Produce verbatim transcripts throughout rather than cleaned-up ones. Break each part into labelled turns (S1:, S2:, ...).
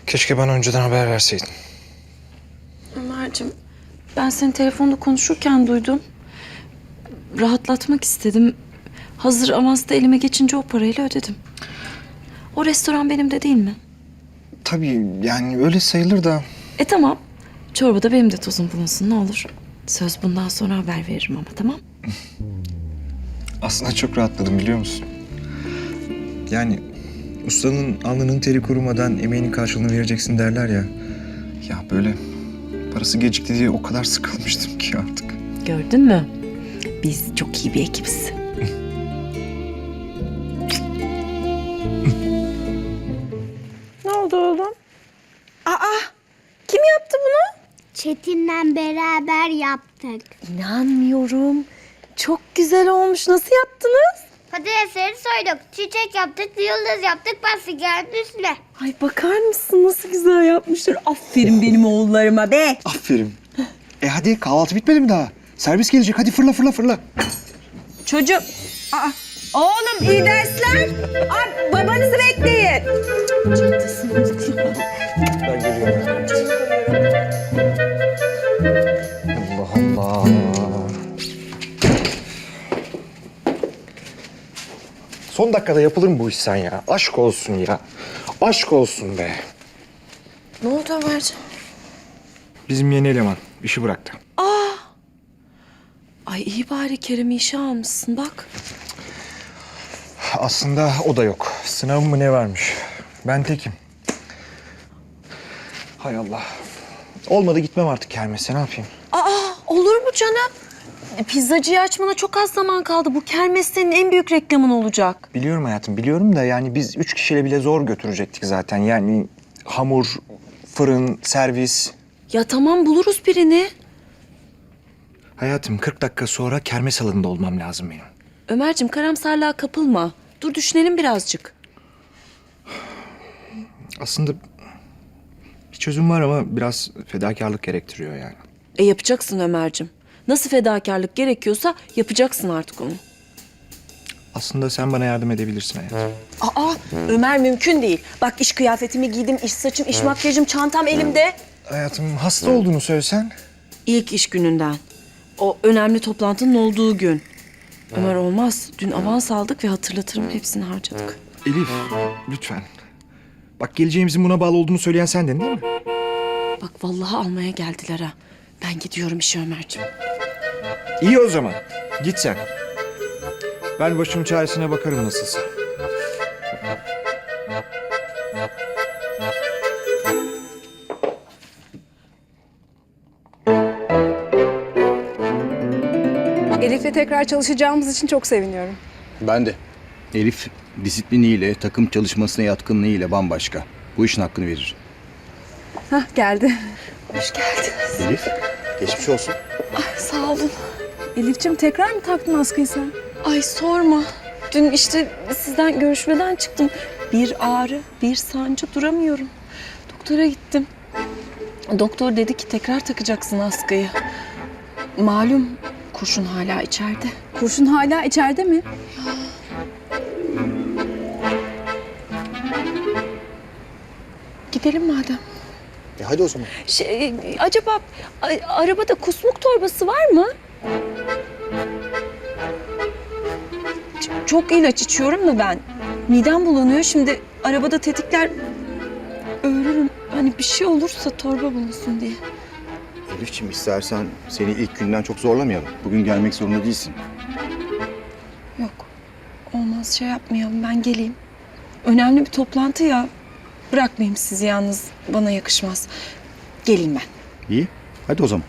S1: Keşke bana önceden haber verseydin.
S2: Ömerciğim, ben seni telefonda konuşurken duydum. Rahatlatmak istedim. Hazır avans da elime geçince o parayla ödedim. O restoran benim de değil mi?
S1: Tabii yani öyle sayılır da...
S2: E tamam. Çorbada benim de tozum bulunsun ne olur. Söz bundan sonra haber veririm ama tamam.
S1: Aslında çok rahatladım biliyor musun? Yani ustanın alnının teri kurumadan emeğinin karşılığını vereceksin derler ya. Ya böyle parası gecikti diye o kadar sıkılmıştım ki artık.
S2: Gördün mü? Biz çok iyi bir ekibiz.
S3: Ne oldu oğlum? Aa, kim yaptı bunu?
S4: Çetin'le beraber yaptık.
S3: İnanmıyorum. Çok güzel olmuş. Nasıl yaptınız?
S4: Patatesleri soyduk, çiçek yaptık, yıldız yaptık, pasta geldi üstüne.
S3: Ay bakar mısın nasıl güzel yapmışlar. Aferin benim oğullarıma be.
S1: Aferin. E hadi kahvaltı bitmedi mi daha? Servis gelecek hadi fırla fırla fırla.
S3: Çocuğum. Aa, oğlum iyi dersler. Aa, babanızı bekleyin. Çantasını unuttum.
S1: Ben geliyorum. Allah Allah. Son dakikada yapılır mı bu iş sen ya? Aşk olsun ya. Aşk olsun be.
S2: Ne oldu Ömerciğim?
S1: Bizim yeni eleman işi bıraktı.
S2: Ay iyi bari Kerem'i işe almışsın bak.
S1: Aslında o da yok. Sınavım mı ne varmış? Ben tekim. Hay Allah. Olmadı gitmem artık kermese ne yapayım?
S2: Aa olur mu canım? E, Pizzacıyı açmana çok az zaman kaldı. Bu kermes senin en büyük reklamın olacak.
S1: Biliyorum hayatım biliyorum da yani biz üç kişiyle bile zor götürecektik zaten. Yani hamur, fırın, servis.
S2: Ya tamam buluruz birini.
S1: Hayatım kırk dakika sonra kermes alanında olmam lazım benim.
S2: Ömerciğim karamsarlığa kapılma. Dur düşünelim birazcık.
S1: Aslında bir çözüm var ama biraz fedakarlık gerektiriyor yani.
S2: E yapacaksın Ömerciğim. Nasıl fedakarlık gerekiyorsa yapacaksın artık onu.
S1: Aslında sen bana yardım edebilirsin hayatım.
S3: Aa, Ömer mümkün değil. Bak iş kıyafetimi giydim, iş saçım, iş makyajım, çantam elimde.
S1: Hayatım hasta olduğunu söylesen.
S2: İlk iş gününden. O önemli toplantının olduğu gün. Ömer olmaz. Dün avans aldık ve hatırlatırım hepsini harcadık.
S1: Elif lütfen. Bak geleceğimizin buna bağlı olduğunu söyleyen sendin değil mi?
S2: Bak vallahi almaya geldiler ha. Ben gidiyorum işe Ömerciğim.
S1: İyi o zaman. Git sen. Ben başımın çaresine bakarım nasılsa.
S5: Elif'le tekrar çalışacağımız için çok seviniyorum.
S6: Ben de. Elif disipliniyle, takım çalışmasına yatkınlığıyla bambaşka. Bu işin hakkını verir.
S5: Hah geldi.
S2: Hoş geldiniz.
S6: Elif, geçmiş olsun.
S2: Sağ olun.
S5: Elif'ciğim tekrar mı taktın askıyı sen?
S2: Ay sorma. Dün işte sizden görüşmeden çıktım. Bir ağrı, bir sancı duramıyorum. Doktora gittim. Doktor dedi ki tekrar takacaksın askıyı. Malum kurşun hala içeride.
S5: Kurşun hala içeride mi?
S2: Gidelim madem.
S6: E hadi o zaman.
S2: Şey, acaba a- arabada kusmuk torbası var mı? Ç- çok ilaç içiyorum da ben. Midem bulanıyor. Şimdi arabada tetikler ölürüm. Hani bir şey olursa torba bulunsun diye.
S6: Elif'ciğim istersen seni ilk günden çok zorlamayalım. Bugün gelmek zorunda değilsin.
S2: Yok. Olmaz şey yapmayalım. Ben geleyim. Önemli bir toplantı ya. Bırakmayayım sizi yalnız. Bana yakışmaz. Geleyim ben.
S6: İyi, hadi o zaman.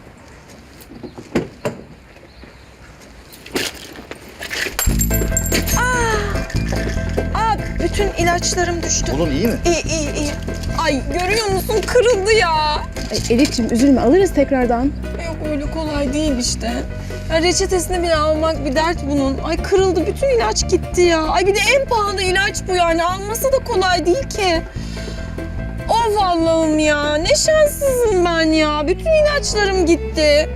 S2: Aa, bütün ilaçlarım düştü.
S6: Oğlum iyi mi?
S2: İyi iyi iyi. Ay görüyor musun kırıldı ya.
S5: Ay, Elif'ciğim üzülme alırız tekrardan.
S2: Yok öyle kolay değil işte. Ya reçetesini bile almak bir dert bunun. Ay kırıldı bütün ilaç gitti ya. Ay bir de en pahalı ilaç bu yani. Alması da kolay değil ki. Of Allah'ım ya. Ne şanssızım ben ya. Bütün ilaçlarım gitti.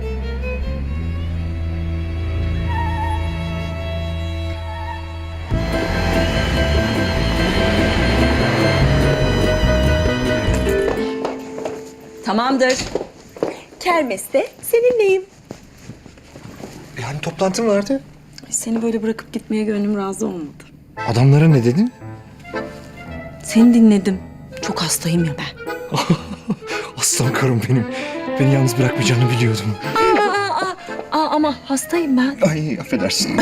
S3: Tamamdır. Kermeste seninleyim.
S1: Yani toplantım vardı.
S2: Ay, seni böyle bırakıp gitmeye gönlüm razı olmadı.
S1: Adamlara ne dedin?
S2: Seni dinledim. Çok hastayım ya ben.
S1: Aslan karım benim. Beni yalnız bırakmayacağını biliyordum.
S2: Aa, aa, aa, aa, ama hastayım ben.
S1: Ay affedersin.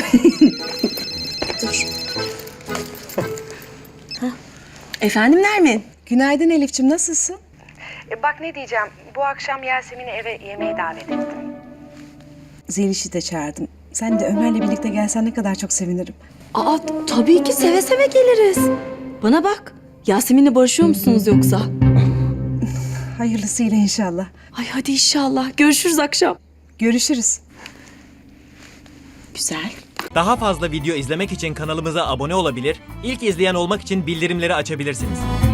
S2: Efendim Nermin?
S5: Günaydın Elif'ciğim, nasılsın?
S7: E bak ne diyeceğim. Bu akşam Yasemin'i eve yemeğe davet ettim.
S5: Zeliş'i de çağırdım. Sen de Ömer'le birlikte gelsen ne kadar çok sevinirim.
S2: Aa tabii ki seve seve geliriz. Bana bak. Yasemin'le barışıyor musunuz yoksa?
S5: Hayırlısıyla inşallah.
S2: Ay hadi inşallah. Görüşürüz akşam.
S5: Görüşürüz.
S2: Güzel.
S8: Daha fazla video izlemek için kanalımıza abone olabilir, ilk izleyen olmak için bildirimleri açabilirsiniz.